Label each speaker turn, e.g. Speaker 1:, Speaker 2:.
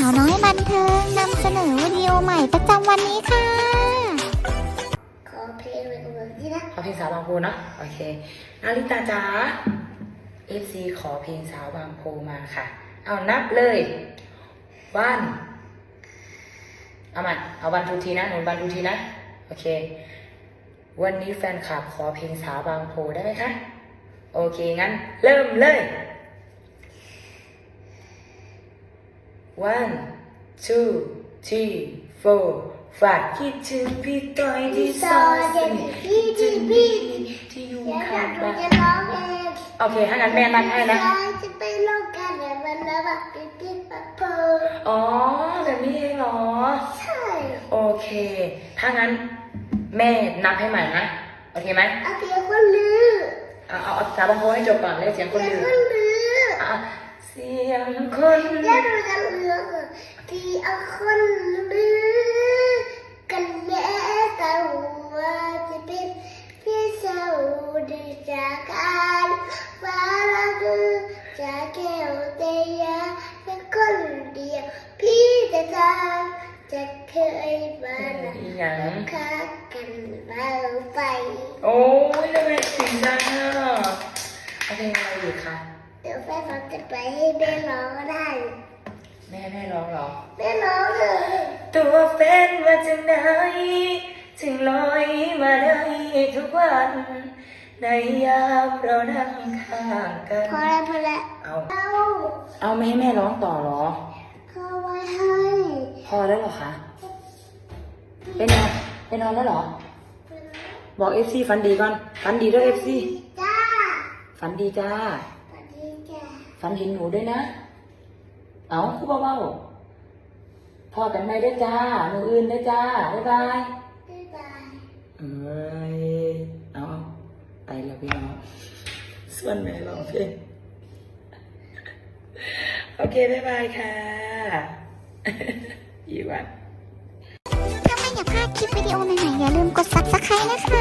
Speaker 1: าวน้อยบันเทิงนำเสนอวิดีโอใหม่ประจำวันนี้ค่ะ
Speaker 2: ขอเพลงเลยกับแบบนี้นะ
Speaker 3: ขอเพลงสาวบางโพนะโอเคนาริตาจ๋า FC ขอเพลงสาวบางโพมาค่ะเอานับเลยวันเอาวันทูทีนะหนูวันทูทีนะโอเควันนี้แฟนคลับขอเพลงสาวบางโพได้ไหมคะโอเคงั้นเริ่มเลย 1 2 3 4 5คิดถึงพี่ต้อยที่ซอยคิดถึงพี่ที่อยู่ข้างบ้าน
Speaker 2: จะร้องเอง
Speaker 3: โอเคถ้างั้นแม่นับให้นะ
Speaker 2: จะไปร้องกันแต่มันแล้วแบบปิ๊บปั๊บเพิ่ม
Speaker 3: อ๋อแบบนี้เองเหรอ
Speaker 2: ใช่
Speaker 3: โอเคถ้างั้นแม่นับให้ใหม่นะโอเคไหม
Speaker 2: เอาเสียงคนลือ
Speaker 3: เอาสาวบางโพให้จบก่อนเลยเสียงคนลือเสียงคน
Speaker 2: แล้วเราจะเลือกที่เอาคนลือกันแม้แต่ว่าจะเป็นพี่สาวดีจากการฟ้าละคือจากแก้วเตียเป็นคนเดียวพี่จะทำจะเคยมาค้ากันมาไป
Speaker 3: โอ้ยทำไมถึงดังอ่ะเอาเพลงอะไรอีกคะ
Speaker 2: เดี๋ยวแม่เราจะไปให้แม่ร้องก็ได้
Speaker 3: แม่ร้องเหรอ
Speaker 2: แม่ร้องเลย
Speaker 3: ตัวเป็นมาจากไหนถึงลอยมาได้ทุกวันในยามเรานั่งข้างกัน
Speaker 2: พอแล้ว
Speaker 3: เอาไม่ให้แม่ร้องต่อเหรอ
Speaker 2: เขาไว้ให้
Speaker 3: พอแล้วเหรอคะไปนอนแล้วเหรอบอก FC ฝันดีก่อนฝันดีด้วย FC
Speaker 2: จ้า
Speaker 3: ฝันดีจ้าฝันเห็นหนูด้วยนะเอาคู่เบาๆพอกันไหมด้วยจ้าหนูอื่นด้วยจ้าบ๊ายบายเอาไปแล้วพี่น้องส่วนแม่ร้องเพลงโอเคบ๊ายบายค่ะอีวัน
Speaker 1: ถ้าไม่อยากพลาดคลิปวิดีโอใหม่ๆอย่าลืมกด Subscribe นะคะ